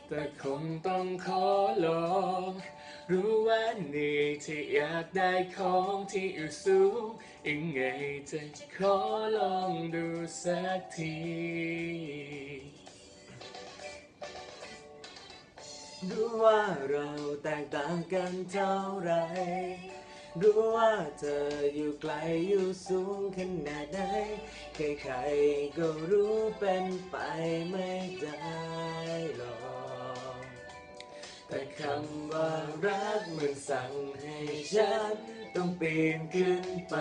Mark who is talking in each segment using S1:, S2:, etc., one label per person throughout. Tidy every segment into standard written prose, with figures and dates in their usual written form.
S1: แต่คงต้องขอลองรู้ว่านี่ที่อยากได้ของที่อยู่สูงยังไงจะขอลองดูสักทีรู้ว่าเราแตกต่างกันเท่าไรรู้ว่าเธออยู่ไกลอยู่สูงขนาดไหนใครๆก็รู้เป็นไปไม่ได้หรอกแต่คำว่ารักมันสั่งให้ฉันต้องปีนขึ้นไป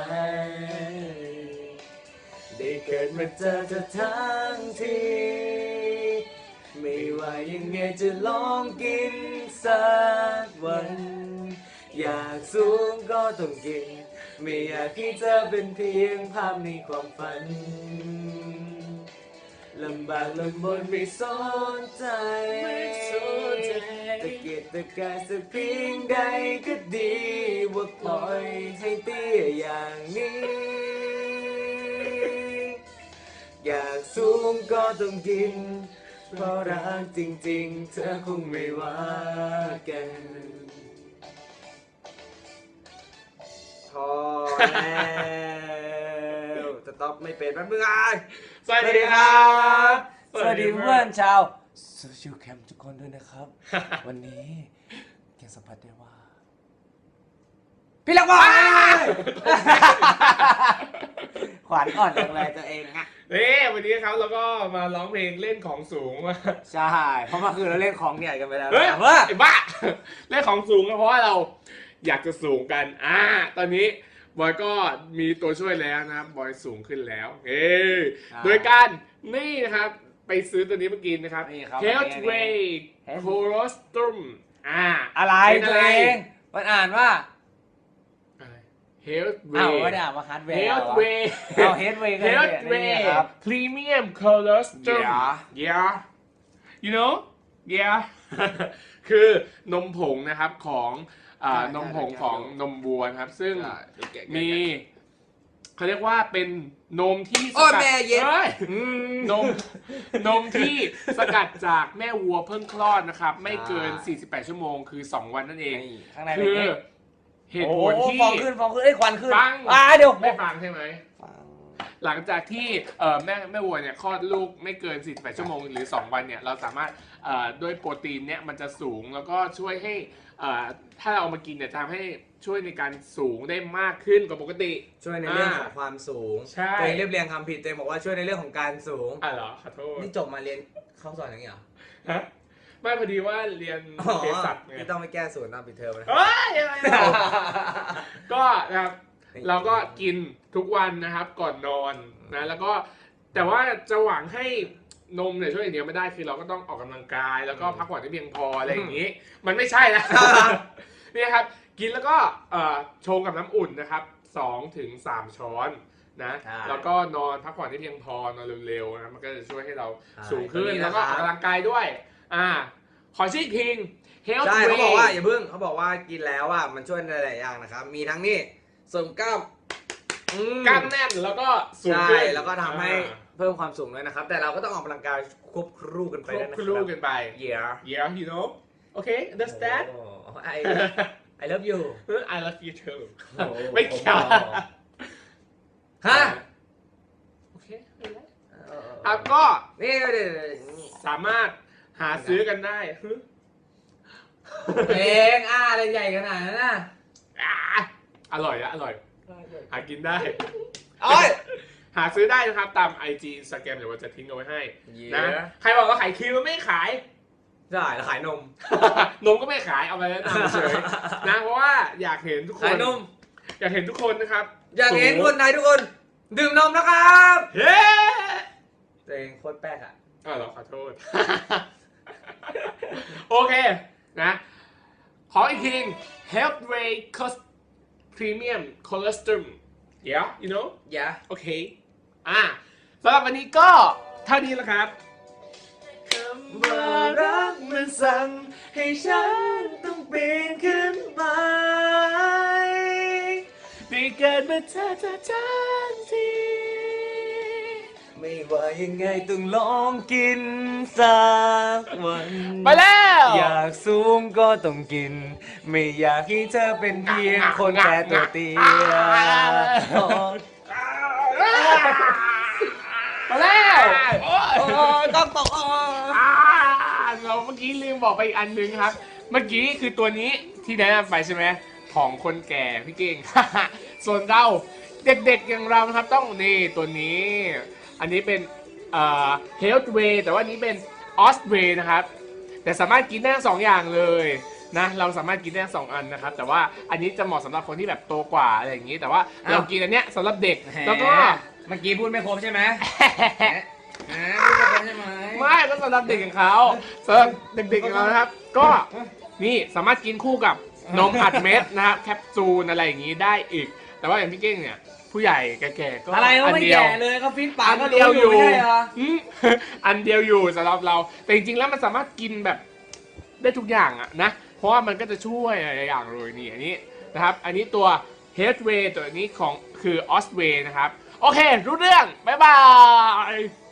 S1: ได้เกิดมาเจอเธอทั้งทีไม่ว่ายังไงจะลองกินสักวันอยากสูงก็ต้องกินไม่อยากให้เธอเป็นเพียงภาพในความฝันลำบากลำบนไม่สนใจตะเกียกตะกายสักเพียงใดก็ดีว่าปล่อยให้เตี้ยอย่างนี้อยากสูงก็ต้องกินเพราะรักจริงๆเธอคงไม่ว่ากันพอแล้วจะตอบไม่เป็นมันมึงไงสวัสดีครับสวัสดีเพื่อนชาวโซเชียลแคมป์ทุกคนด้วยนะครับ วันนี้ยังสัมผัสได้ว่าพี่ลักบอลขวัญอ่อนจังเลยตัวเองอะวันนี้ครับเราก็มาร้องเพลงเล่นของสูงมาใช่เพราะเมื่อคืนเราเล่นของใหญ่กันไปแล้วไอ้บ้าเล่นของสูงก็เพราะว่าเราอยากจะสูงกันตอนนี้บอยก็มีตัวช่วยแล้วนะครับบอยสูงขึ้นแล้วโดยการนี่นะครับไปซื้อตัวนี้มากินนะครับ Healthway Colostrum
S2: อะไรตัวเองมันอ่านว่า
S1: Healthway
S2: ไม่ได้อ่านว่า Hardware
S1: Healthway
S2: Healthway
S1: Premium Colostrum yeah you know yeah คือนมผงนะครับของนมผงของนมวัวนะครับซึ่งมีเขาเรียกว่าเป็นนมที่สกัดนมที่สกัดจากแม่วัวเพิ่งคลอดนะครับไม่เกิน48ชั่วโมงคือ2วันนั่นเองคือเหตุผลที่
S2: ฟองขึ้นควันขึ้น
S1: ฟัง
S2: เดี๋ยว
S1: ไม่ฟังใช่ไหมหลังจากที่แม่วัวเนี่ยคลอดลูกไม่เกิน48ชั่วโมงหรือ2วันเนี่ยเราสามารถด้วยโปรตีนเนี่ยมันจะสูงแล้วก็ช่วยให้ถ้าเราเอามากินเนี่ยทำให้ช่วยในการสูงได้มากขึ้นกว่าปกติ
S2: ช่วยในเรื่องของความสูงตัวเองเรียบเรียงคำผิดตัวเองบอกว่าช่วยในเรื่องของการสูง
S1: เหรอขอโทษ
S2: นี่จบมาเรียนเข้าสอนอย่างนี้เหรอ
S1: ฮะไม่พอดีว่าเรียนเภสัชไง
S2: ที่ต้องไปแก้สูตรตามปิดเทอมนะ
S1: ก็นะครับเราก็กินทุกวันนะครับก่อนนอนนะแล้วก็แต่ว่าจะหวังให้นมเนี่ยช่วยอย่างเดียวไม่ได้คือเราก็ต้องออกกำลังกายแล้วก็พักผ่อนให้เพียงพออะไรอย่างนี้มันไม่ใช่นะนี่ครับกินแล้วก็ชงกับน้ำอุ่นนะครับ2-3 ช้อนนะแล้วก็นอนพักผ่อนให้เพียงพอนอนเร็วๆนะมันก็จะช่วยให้เราสูงขึ้นแล้วก็ออกกำลังกายด้วยขอชี้พิง
S2: ใช่เขาบอกว่าอย่าเพิ่งเขาบอกว่ากินแล้วมันช่วยในหลายอย่างนะครับมีทั้งนี่เสริมกล้าม
S1: แน่นแล้วก็สูงขึ้น
S2: แล้วก็ทำให้เพิ่มความสูงด้วยนะครับแต่เราก็ต้องออกกำลังกายควบคู่กันไป
S1: ควบคู่กันไป yeah you know okay understand
S2: I love you
S1: I love you too ไม่เกี่ยวโอเคก็
S2: นี่
S1: สามารถหาซื้อกันได้
S2: เองอะไรใหญ่ขนาดนั้น
S1: อร่อยหากินได้หาซื้อได้นะครับตาม IG Instagram เดี๋ยวเราจะทิ้งเอาไว้ให้นะใครบอกว่าขายครีมมันไม่ขาย
S2: ได้แล้วขายนม
S1: ก็ไม่ขายเอาไปแล้วนำเฉยนะเพราะว่าอยากเห็นทุกคนอยากเห็นทุกคนนะครับ
S2: อยากเห็นคนไทยทุกคนดื่มนมนะครับ
S1: เฮ้
S2: ตัวเองโคตรแป๊ก
S1: เหรอขอโทษโอเคนะขออีกที Healthway Premium Colostrum yeah you know
S2: yeah
S1: โอเคสำหรับวันนี้ก็เท่านี้แล้วครับคำว่ารักมันสั่งให้ฉันต้องปีนขึ้นไปได้เกิดมาเธอทั้งที ไม่
S2: ไม่ว่ายังไงต้องลองกินสักวัน
S1: ไปแล้ว
S2: อยากสูงก็ต้องกิน ไม่อยากให้เธอเป็นเพียงคนแค่ตัวเตี้ย
S1: มาแล้ว
S2: ต้องตก
S1: เราเมื่อกี้ลืมบอกไปอีกอันนึงครับ เมื่อกี้คือตัวนี้ที่แนะนำไปใช่ไหมของคนแก่พี่เก่ง ส่วนเราเด็กๆอย่างเรานะครับต้องนี่ตัวนี้ อันนี้เป็นHealth Way แต่ว่านี้เป็น Os Way นะครับ แต่สามารถกินได้ทั้งสองอย่างเลยนะเราสามารถกินได้ทั้งสองอันนะครับ แต่ว่าอันนี้จะเหมาะสำหรับคนที่แบบโตกว่าอะไรอย่างนี้ แต่ว่าเรากินอันเนี้ยสำหรับเด็กแล้วก็
S2: เมื่อกี้พูดไม่ครบใช่ไหมพูดไม่ครบใช่ไหม
S1: ไม่ก็สำหรับเด็กอย่างเขาสำหรับเด็กๆอย่างเรานะครับ ก็นี่สามารถกินคู่กับนมอัดเม็ดนะครับแคปซูลอะไรอย่างนี้ได้อีก แต่ว่าอย่างพี่เก้งเนี่ยผู้ใหญ่แก่ๆก็
S2: อะไรก็
S1: อัน
S2: ไม่
S1: เดียว
S2: แก่เลยก็ฟิตปาก
S1: อัน
S2: ก็
S1: เดียวอยู่
S2: ไม่ใช่เหรอ
S1: อืม อันเดียวอยู่สำหรับเรา แต่จริงๆแล้วมันสามารถกินแบบได้ทุกอย่างอะนะ เพราะว่ามันก็จะช่วยหลายอย่างเลยนี่อันนี้นะครับ อันนี้ตัว Headway ตัวนี้ของคือ Osway นะครับ โอเค รู้เรื่อง บ๊ายบาย